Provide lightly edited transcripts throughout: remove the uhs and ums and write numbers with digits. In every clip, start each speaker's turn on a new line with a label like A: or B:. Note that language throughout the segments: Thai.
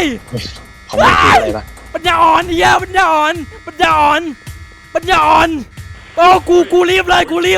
A: เขาไม่พูดอะไรปะ
B: ปัญญาอ่อนเฮียปัญญาอ่อนปัญญาอ่อนปัญญาอ่อนโอ้กูรีบเลยกูรีบ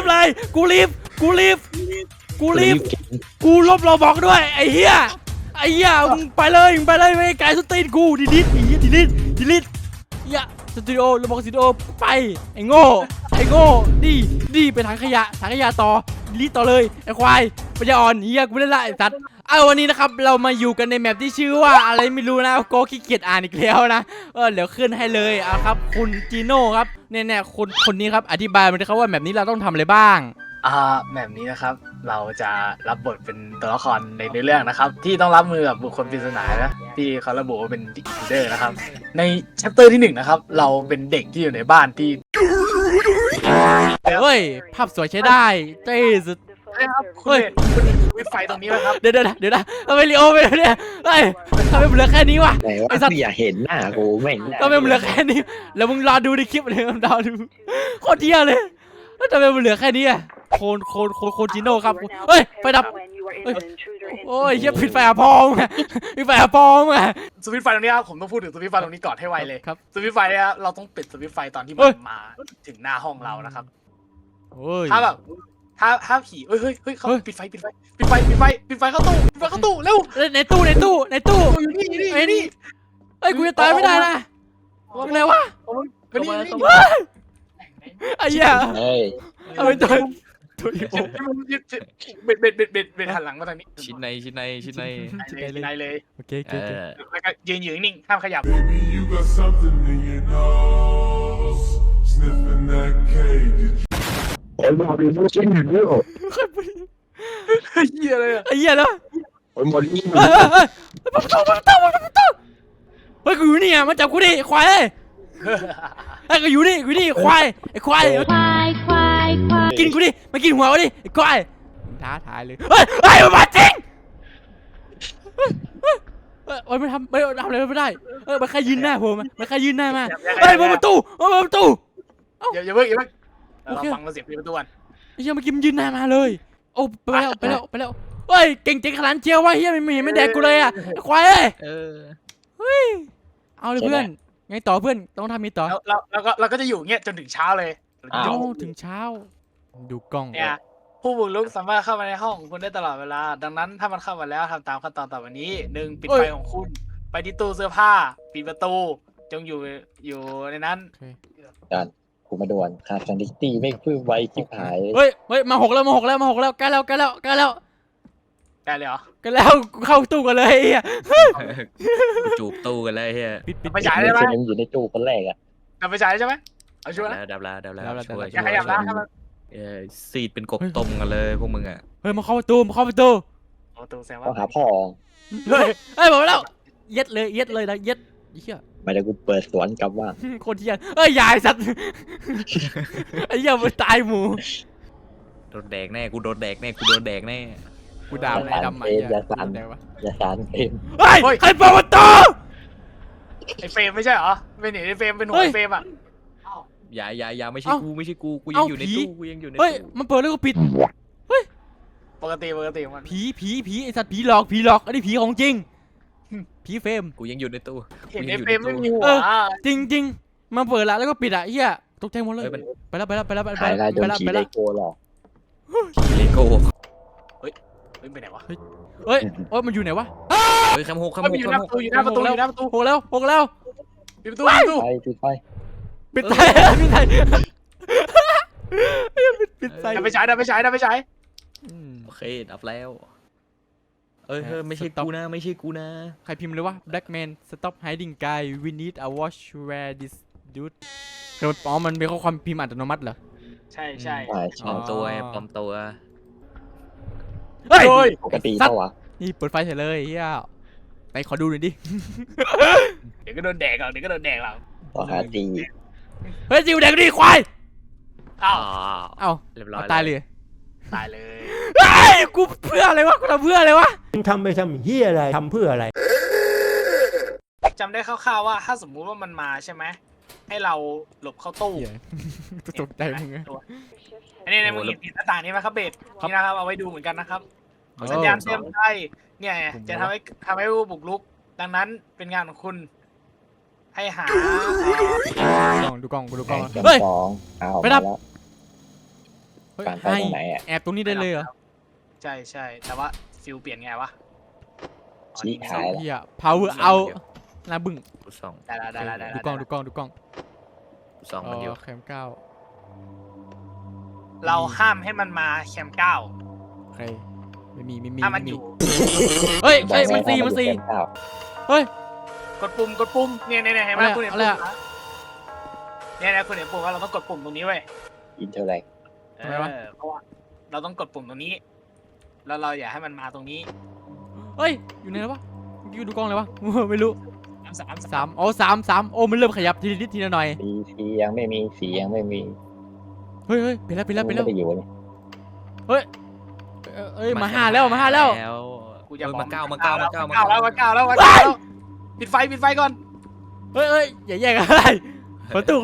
B: กูลบเราบอกด้วยไอ้เฮียมึงไปเลยไม่ไกลสุดตีนกูดีลิทเฮียสตูดิโอเราบอกสตูดิโอไปไอ้โง่ดีไปถังขยะต่อดีลิทต่อเลยไอ้ควายปัญญาอ่อนเฮียกูไม่ได้ละไอ้สัตว์วันนี้นะครับเรามาอยู่กันในแมปที่ชื่อว่าอะไรไม่รู้นะโกขี้เกียจอ่านอีกแล้วนะเดี๋ยวขึ้นให้เลยครับคุณจีโน่ครับเนี่ยคนนี้ครับอธิบายมาเลยครับว่าแมปนี้เราต้องทำอะไรบ้าง
C: แบบนี้นะครับเราจะรับบทเป็นตัวละครในเรื่องนะครับที่ต้องรับมือกับบุคคลปริศนานะที่เขาระบุว่าเป็นดิคิวเดอร์นะครับในแชปเตอร์ที่1นะครับเราเป็นเด็กที่อยู่ในบ้านที่
B: เฮ้ยภาพสวยใช้ได้เท่สุด
C: ครับคุณวิไฟตรงนี้นะครับ
B: เดี๋ยวนะทำไมลีโอไปเนี่ยเฮ้ยทำไมมันเหลือแค่นี้วะ
A: ไอ้สัตว์อย่าเห็นหน้ากูแม่ง
B: ทำไมมันเหลือแค่นี้แล้วมึงรอดูในคลิปเลยมึงรอดูโคตรเที่ยเลยแล้วทำไมมันเหลือแค่นี้อะโคนจิโน่ครับเฮ้ยไฟดับโอ้ยเฮียปิดไฟพองปิดไฟพอง
C: สวิตช์ไฟตรงนี้ครับผมต้องพูดถึงสวิตช์ไฟตรงนี้ก่อนให้ไวเลย
B: ครับ
C: สวิตช์ไฟเนี่ยเราต้องปิดสวิตช์ไฟตอนที่มันมาถึงหน้าห้องเรานะครับถ้าแบบถ้าผีเฮ้ยเขาปิดไฟเข้าตู้เร็ว
B: ในตู้
C: อยู่นี่
B: เฮ้ยกูจะตายไม่ได้นะอะไรวะไอ้เหี้ยเอาไปตัว
C: เบ็ดหันหลังมาทางนี้
B: ชิ้นใน
C: เลย
B: โอเค
C: แล้วก็ยืนอยู่นิ่งห้ามขยับ
A: โอ้ยมาดูชิ้นหนึ่งด้วย
C: เหี้ยเลย
B: ไอ้เหี้ยแล้ว
A: โอ้ยหมดนี่
B: ประตูเฮ้ยกูอยู่นี่อ่ะมาจับกูดิควายเฮ้ยกูอยู่นี่ควายไอ้ควายกินกูดิมากินหัวกูดิไอ้ควายท้าทายเลยเฮ้ยมันมาจริงโอ้ยไม่ทำอะไรไม่ได้มันแค่ยืนหน้าผมมันแค่ยืนหน้ามาเฮ้ยประตู
C: อย่าเพิ่งเราฟังเสียงประตูก่อน
B: ไอ้เหี้ยเมื่อกี้มันยืนหน้ามาเลยโอ้ไปแล้วเฮ้ยเก่งขนาดเจียววะเฮียไม่แดกกูเลยอ่ะควายเฮ้ยเอาเลยเพื่อนไงต่อเพื่อนต้องทำมีต่อ
C: เราก็จะอยู่เงี้ยจนถึงเช้าเลย
B: ถึงเช้าดูกล้อง
C: เนี่ยผู้บุกรุกสามารถเข้ามาในห้องของคุณได้ตลอดเวลาดังนั้นถ้ามันเข้ามาแล้วทำตามขั้นตอนต่อไปนี้1ปิดไฟของคุณไปที่ตู้เสื้อผ้าปิดประตูจงอยู่ในนั้น
A: การกูมาด่วนขาดซันดิตี้ไม่ฟื้นไวชิบหาย
B: เฮ้ยมา6แล้วใกล้แล้ว
C: ได้เลยเหรอ
B: ใกล้แล้วกูเข้าตู้กันเลย
D: จูบตู้กันเลยเฮีย
C: ปิดไปฉายได้ไหม
A: อยู่ในตู้คนแรกอะ
C: ดับไปฉายใช่ไหมเอาชัวร์นะ
D: ดับแล้วช่วย
C: อย่าขยับนะ
D: ซีดเป็นกบต้มกันเลยพวกมึงอ่ะ
B: เฮ้ยมาเข้าประตู
C: แซงว่า
A: ต้องหาพ่อ
B: เฮ้ยบอกแล้วเย็ดเลยนะเย็ดเหี้ย
A: ไม่ได้กูเปิดสวนกลับว่า
B: คนเหี้ยยายสัตว์ไอ้เหี้ยมันตายหมู
D: โดนแดกแน่กูโดนแดกแน่
B: กูด่าไอ้ดำ
A: อย่าสานเฟม
B: เฮ้ยใครเปิดประตู
C: ไอ้เฟรมไม่ใช่เหรอเป็นไอ้เฟรมเป็นหัวเฟรมอ่ะ
D: อย่าไม่ใช่กูยังอยู่ในตู้
B: เฮ้ยมันเปิดแล้วก็ปิดเฮ้ย
C: ปกติมัน
B: ผีไอ้สัตว์ผีหลอกอันนี้ผีของจริงผีเฟรม
D: กูยังอยู่ในตู้
C: เห็นไอ้เฟรมไม่มีหัว
B: จริงมันเปิดแล้วก็ปิดอ่ะเฮียตกใจหมดเลยไปแล้ว
A: เลโก้หรอ
D: เลโก้
C: ไปไหนวะ
B: เฮ้ยมันอยู่ไหนวะ
D: เฮ้ยคำหก
C: อยู่หน้าประตู
B: หกแล้ว
C: ปิดประตู
B: ปิดไฟ
C: ดับไปฉาย
D: โอเคดับแล้วไม่ใช่กูนะ
B: ใครพิมพ์เลยว่า Black Man Stop Hiding Guy We Need a Watch Where This Dude คือมันเป็นข้อความพิมพ์อัตโนมัติเหรอ
C: ใช่
D: ปลอมตัว
B: เฮ้ย
A: ปกติเปล่าวะ
B: นี่เปิดไฟเฉยเลยเฮียไปขอดูหน่อยดิ
C: เดี๋ยวก็โดนแดกเรา
A: ต่อหาตี
B: เฮ้ยจิวแดกดิควายเอา
D: เรียบร้อย
B: ตายเลย
C: เฮ้
B: ยกูเพื่ออะไรวะกูทำเพื่ออะไรวะ
E: ทำไปทำเฮียอะไรทำเพื่ออะไร
C: จำได้คร่าวๆว่าถ้าสมมุติว่ามันมาใช่ไหมให้เราหลบเข้าตู้
B: ตกใจมึง
C: อันนี้มึงเห็นหน้าต่างนี้ไหมครับเบสนี่นะครับเอาไว้ดูเหมือนกันนะครับสัญญาณเตือนภัยเนี่ยจะทำให้ผู้บุกรุกดังนั้นเป็นงานของคุณ ให้หา
B: ดูกล้องกูดูกล้อง
A: เก็บ
B: เฮ้ย
A: ของเอา
B: ไปดับ
A: แล้ว
B: เฮ้ย
A: การไป
B: ให้
A: ตรงไหนอ่ะ
B: แอบตรงนี้ได้เลยเหรอ
C: ใช่ใช่แต่ว่าฟิลเปลี่ยนไงวะอ๋อ
A: ชี้
C: นี่
A: ขาย
B: เฮีย power เอาหน้าบึ้ง
D: กูส่อง
C: ได้แล้วได้แล้วได้
B: ดู
C: แล้ว
B: กล้องดูกล้องดูกล้อง
D: กูส่องมันอยู่
B: แคมเก้า
C: เราห้ามให้มันมาแคมป์เก้า
B: โอเคไม่มี
C: ถ้ามันอยู่
B: เฮ้ย
A: บอก
B: เฮ้ย
A: ไว้
B: มันสี่
A: ว่า
B: มันสี่
A: ดูเต็ข้าว
B: เฮ้ย
C: กดปุ่มเนี่ยเห็นไหม
B: อะไรอะ
C: คุณเห็น
B: อะไร
C: ปุ่ม
B: อะ
C: นะเนี่ยคุณเห็นปุ่มว่าเราต้องกดปุ่มตรงนี้เว้ย
A: อินเทอร์แลก
B: ทำไมวะ
C: เพราะว่าเราต้องกดปุ่มตรงนี้ แล้วเราอย่าให้มันมาตรงนี้
B: เฮ้ยอยู่ไหนแล้ววะเมื่อกี้ดูกล้องเลยวะ ไม่รู้
C: สาม
B: สามโอ้สามโอ้มันเริ่มขยับทีละนิดทีละหน่อย
A: สียังไม่มีสียังไม่มี
B: เฮ้ยเปลี่ยนแล้ว
A: ไม่ได้อยู่นี่
B: เอ้ยมาห้าแล้ว
C: กูจะ
D: มาเก้ามาเก้ามาเก้า
C: แล้วปิดไฟก่อน
B: เฮ้ยอย่าแย่งอะไรคนละตู้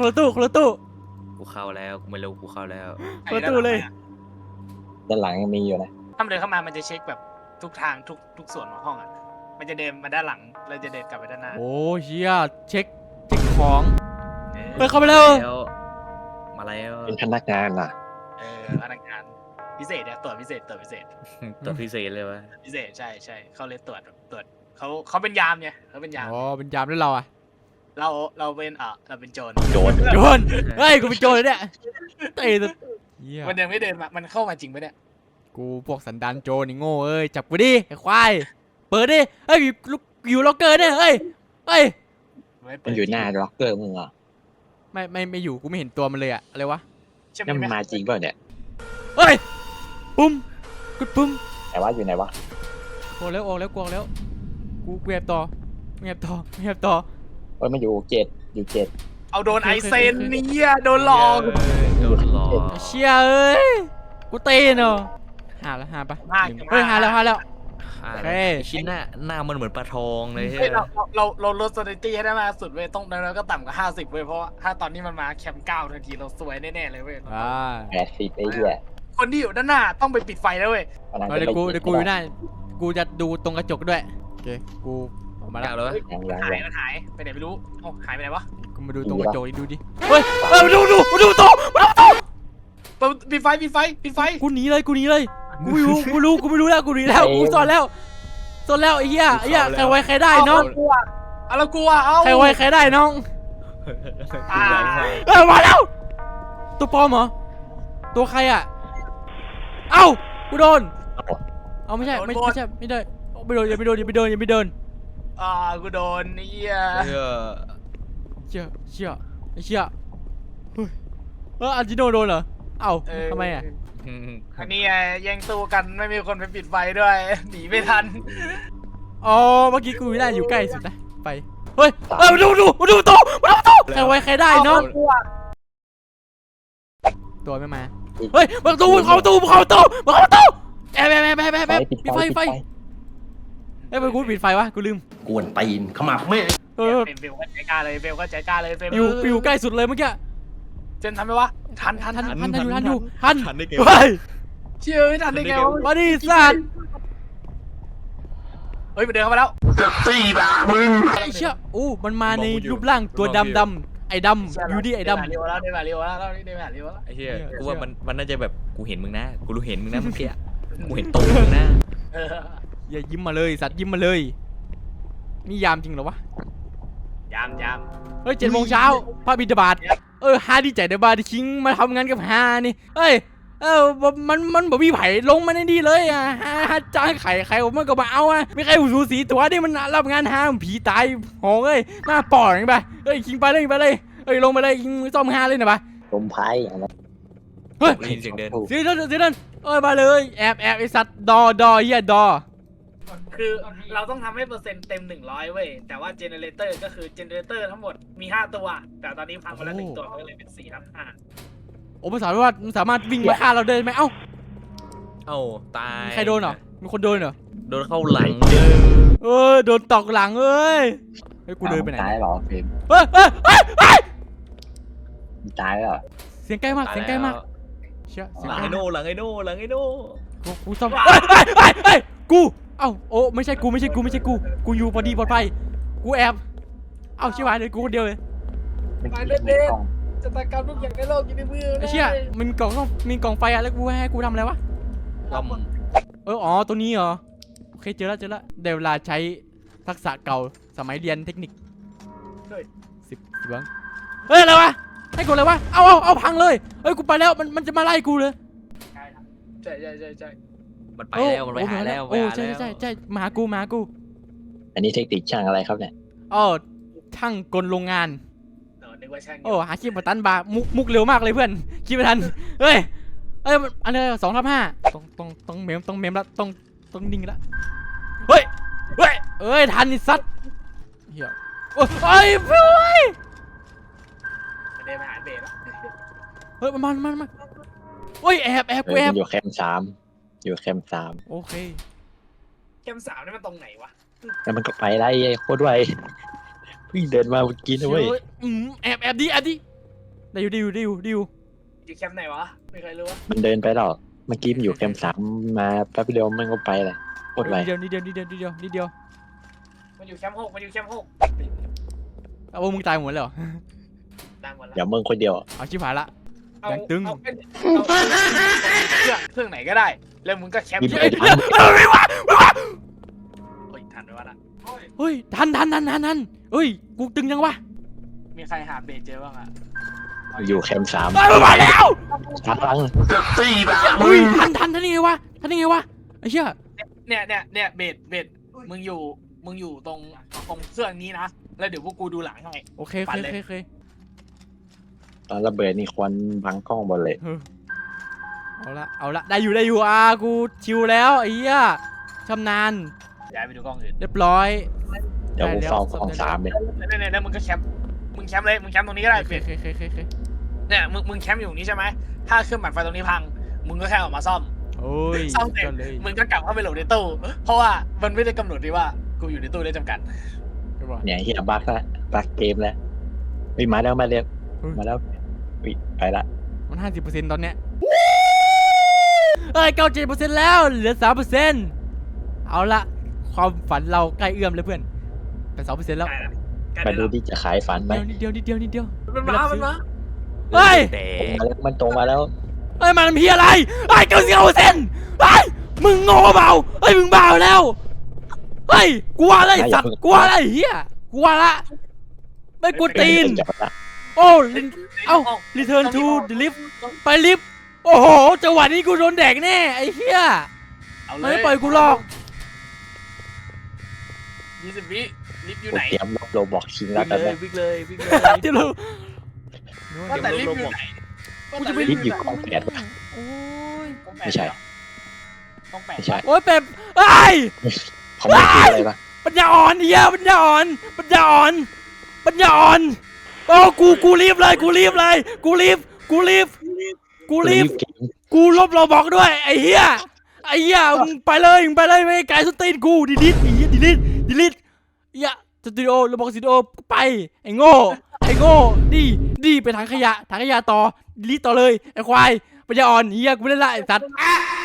D: กูเข้าแล้วกูไม่รู้กูเข้าแล้ว
B: เปิดตู้เลย
A: ด้านหลังยังมีอยู่นะ
C: ถ้ามันเดินเข้ามามันจะเช็คแบบทุกทางทุกส่วนของห้องอ่ะมันจะเดินมาด้านหลังเราจะเดินกลับไปด้านหน้า
B: โอ้เชียเช็คของเฮ้ยเข้าไปแล้ว
D: มาแล้ว
A: เป็นพนักงานอ่ะ
C: พนักงานพิเศษเนี่ยตรวจพิเศษ
D: ตัวพิเศษเลยวะ
C: พิเศษใช่เขาเลยตรวจเขาเป็นยามเนี่ยเขาเป็นยาม
B: อ๋อเป็นยามด้วยเราอะ
C: เราเป็นเราเป็นโจร
A: โจร
B: โจรเฮ้ยกูเป็นโจรเลยเนี่ยเตะตัวเหี้ย
C: มันยังไม่เดินมามันเข้ามาจริงปะเนี่ย
B: กูพวกสันดานโจรนี่โง่เอ้ยจับกูดิไอ้ควายเปิดดิเฮ้ยอยู่ล็อกเกอร์เนี่ยเฮ้ย
C: ไม่เปิ
A: มั
C: ด
A: นอยู่หน้าล็อกเกอร์มึงอ่ะ
B: ไม่อยู่กูไม่เห็นตัวมันเลยอะอะไรวะ
C: ใช่ไหม
A: นั่นมันมาจริงเปล่าเนี่ย
B: เฮ้ยปุ้มกดปุ้ม
A: แต่ว่าอยู่ไหนวะ
B: ออกแล้วกูแอบต่อเฮ้ย
A: เอ้ยมันอยู่อยู่เจ็ด
C: เอาโดนไอเซนเนี่ยโดนหลอก
D: โดนหลอก
B: เชี่ยเอ้ยกูเตะเนาะหาปะเฮ้ยหาแล้ว
D: ชิ้นหน้ามันเหมือนปลาทองเลย
C: เฮ้ยเราลดสถิติให้ได้มากสุดเว้ยต้องแล้วก็ต่ำกว่า50เว้ยเพราะว่าถ้าตอนนี้มันมาแคมป์9ทันทีเราสวยแน่ๆเลยเว้ย
A: 80ไอ้เหี้ย
C: คนที่อยู่ด้านหน้าต้องไปปิดไฟแล้วเว้ย
A: กำลังจะ
B: เดี๋ยวกู
A: ไป
B: อยู่หน้ากูจะดูตรงกระจกด้วยโอเคกูออกมา
D: มา
B: แล้
D: แล้ว วแล้ว
A: ยัง
C: มันหายไปไหนไม่รู้เอ้าหายไปไหนวะ
B: กูมาดูตรงกระจกดูดิเฮ้ยมาดูโต
C: ปิดไฟ
B: กูหนีเลยกูรู้แล้วกูหนีแล้วกูซ่อนแล้วไอ้เหี้ยใครไว้ใครได้น้อง
C: เอาเรากลัวเอา
B: ใครไว้ใครได้น้องมาแล้วตัวปลอมเหรอตัวใครอ่ะเอ้ากูโดนเอาไม่ใช่ไม่ได้ไม่โดนอย่าไปโดน
C: กูโดนเนี่ย
B: เชี่ยไอ้เชี่ยอันจิโนโดนเหรอเอ้าทำไมอ่ะ
C: อันนี้แย่งตู้กันไม่มีคนไปปิดไฟด้วยหนีไม่ทัน
B: อ๋อเมื่อกี้กูไม่ได้อยู่ใกล้สุดนะไปเฮ้ยมาดูโตใครไว้ใครได้น้องตัวไม่มาเฮ้ยเข้าตู้แอบปิดไฟเฮ้ยกูปิดไฟวะกูลืม
E: กวนตีนขมับแม่
B: เออ
C: เบลก็ใจกล้าเลยเบลก็ใจกล้าเลยเบล
B: อยู่ใกล้สุดเลยเมื่อกี้
C: เจนทำไหมวะทัน
B: ทัน
D: ได้ไง
B: เฮ้ย
C: เชื่อไม่ทันได้ไงวะ
B: มาดิสัตว์
C: เฮ้ยมันเดินเข้ามาแล้ว
B: ไอ้เชี่ยอู้มันมาในรูปร่างตัวดำไอ้ดำอยู่ดิไอ้ดำ
C: เร็วแล้วเร็วแล้ว
D: ไอ้เหี้ยกูว่ามันน่าจะแบบกูเห็นมึงนะกูรู้เห็นมึงนะเมื่อกี้กูเห็นตัวมึงนะ
B: อย่ายิ้มมาเลยสัตว์ยิ้มมาเลยนี่ยามจริงเหรอวะ
C: ยาม
B: เฮ้ย7 โมงเช้าพระบิดาบาตฮาดีใจได้บาดิคิงมาทำงานกับฮานี่เฮ้ยมันบ่มีไผ่ลงมาในนี่เลยอ่ะฮาจ้างไข่ผมมันก็มาเอาอ่ะไม่ใครหูสูสีตัวนี่มันรับงานฮาผีตายโหงเอ้ยหน้าปอดอย่างไปเฮ้ยคิงไปเลยเฮ้ยลงไปเลยคิงซ่อมฮาเลยนะปะ
A: ลมพายอะไร
B: เฮ้ย
D: ได้ยินเสียงเดิน
B: เสียนั่นมาเลยแอบไอสัตว์ดอเฮียดอ
C: คือเราต้องทำให้เปอร์เซ็นต์เต็ม100เว้ยแต่ว่าเจเนเรเตอร์ก็คือเจเนเรเตอร์ทั้งหมดมี5ตัวแต่ตอนนี้พังไปแล้ว1ตัวก็เลยเป็น4/5
B: โอ้ภาษาว่ามันสามารถวิ่งมาฆ่าเราได้ไหมเอ้า
D: เอ้าตาย
B: ใครโดนเหรอมีคนโดนเหรอ
D: โดนเข้าหลัง
B: โดนตอกหลังเอ้ยกูเดินไปไหน
A: ตายหรอฟิล์ม
B: เฮ้ย
A: ตายแล้ว
B: เสียงใกล้มากเชี่ยเสียง
D: หลัง
B: ใกล้
D: ไอ้โน่หลังไอ้โน่
B: กูซ่อมกูเอ้าโอ้ไม่ใช่กูกูอยู่พอดีปลอดภัยกูแอบเอ้าชิบหายเลยกูคนเดียวเลย
A: มัน
C: ไป
A: มี
C: เด็ด
A: กล่อง
C: ๆจะตากรรมทุกอย่างในโลกอยู่ในมือ
B: ไอ้เชี่ยมันมีกล่องไฟอะแล้วกูให้กูทำอะไรวะ
D: ก็
B: อ๋อตัวนี้เหรอโอเคเจอแล้วเดี๋ยวเวลาใช้ทักษะเก่าสมัยเรียนเทคนิค10บ้างเฮ้ยอะไรวะให้กดเลยวะเอาพังเลยเฮ้ยกูไปแล้วมันจะมาไล่กูเลย
C: ใช่
D: มันไปแล้วมันไปหาแล้ว
B: โอ้ใช่มาหากู
A: อันนี้เทคนิคช่างอะไรครับเนี่ย
B: ช่างกลโรงงาน
C: นึกว่าช่าง
B: หาคลิปมาตันบาร์มุกเร็วมากเลยเพื่อนคิดไม่ทันเฮ้ยอันนี้2/5ต้องเมมละต้องนิ่งละเฮ้ยทันไอ้สัตว์เหี้ยโอ้ยเฮ้ย
C: ไม่ได้มาหาเบสแล้ว
B: เฮ้ยมันเฮ้ยแอบกูแอบ
A: อยู่แคมป์สาม
B: โอเค
C: แคมป์3นี่มันตรงไหนวะ
A: แล้วมันก็ไปไล่โคตรไวเพิ่งเดินมาเมื่อกี้นะเว้ย
B: แอบดิได้อยู่
C: อยู่แคมป์ไหนวะไม่เคยรู้วะ
A: มันเดินไปหรอกเมื่อกี้มันอยู่แคมป์สามมาแป๊บเดียวมันก็ไปเลยโคตรไว
B: นิดเดียว
C: มันอยู่แคมป์6
B: เอามึงตายหมดเลยเหรอ
C: ดังหมดแล้ว
A: เดี๋ยวมึงคนเดียว
B: เอาชิบหายละ
C: เอา
B: ยังตึง
C: เอาเครื่องไหนก็ได้ แล้วมึงก็แคมป์
A: มี
C: เย
A: ไป
C: อะ
A: ทัน
C: โอ้ยทันไปวะล่ะ
B: เฮ้ยทันเฮ้ยกูตึงยังวะ
C: มีใครหาเบสเจอบ้างอะ
A: อยู่แคมป์สาม
B: มาแล้ว
A: ช้าลัง
B: เฮ้ยทันยังไงวะไอ้เหี้ย
C: เนี่ยเบสมึงอยู่ตรงเครื่องนี้นะแล้วเดี๋ยวพวกกูดูหลังให้
B: โอเค
A: ตอนระเบิดนี่ควันบังกล้องหมดเลย
B: เอาละได้อยู่กูชิวแล้วไอ้เหี้ยชำนาญ
C: ย้ายไปดูกล้องอื่น
B: เรียบร้อย
A: เดี๋ยวกูเฝ้าของสามเลย
C: แล้วมึงก็แคมป์เลยมึงแคมป์ตรงนี้ก็ได้
B: โอเค
C: เนี่ยมึงแคมป์อยู่ตรงนี้ใช่ไหมถ้าเครื่องปั่นไฟตรงนี้พังมึงก็แค่ออกมาซ่อม
B: โอ้ย
C: ซ่อมเสร็จ
B: ก็เลย
C: มึงก็กลับเข้าไปโหลดในตู้เพราะว่ามันไม่ได้กำหนดดีว่ากูอยู่ในตู้ได้จำกัด
A: เนี่ยเฮียบักเกมแล้วมาแล้วอุ๊ยไปละ
B: มัน50%ตอนเนี้ย97%แล้วเหลือ 3%เอาละความฝันเราใกล้เอื้อมเลยเพื่อนเป็น 2% แล้ว
A: มาดูที่จะขายฝันไหม
B: นิดเดียว
C: มันมา
B: เฮ้ย
D: แต่
A: มันตรงมาแล้ว
B: มันทำเพี้ยอะไร99%มึงโง่เปล่ามึงบ้าแล้วกลัวอะไรสัตว์กลัวอะไรเฮียกลัวละไม่กลัวตีน โอ้return to the lift ไปลิฟต์โอ้โหจังหวะนี้กูโดนแดกแน่ไอ้เหี้ย
C: เอาเล
B: ไม่
C: ย
B: ปล่อยกูหรอก
C: 20 วิลิฟต์อยู่
A: กู
C: ไหน
A: เตรียมโรบอกชิงแล้ว
D: วิ่ง
A: กัน
D: เล
A: นะ
D: ยวิ่งเลย
B: เดี๋ยวเรา
C: ว่าแต่ลิฟต์อยู่ไหน
B: กูจะไป
A: ลิฟต์อยู่กองแปด
B: โอ้ย
A: ไม่ใช่
C: ต้องแปด
A: ไม่ใช่
B: โอ้ยเป็ด
A: เขาไม่คืออะไรปะ
B: ปัญญาอ่อนเหี้ยปัญญาอ่อนโอ้กูรีบเลยกูลบเราบอกด้วยไอ้เหี้ยมึงไปเลยไม่ไกลสตีนกูดีลิทเหี้ยสตูดิโอเราบอกสตูดิโอไปไอ้โง่ดีไปถังขยะต่อดีลิทต่อเลยไอ้ควายปัญญาอ่อนเหี้ยกูไม่ได้ละไอ้สัตว์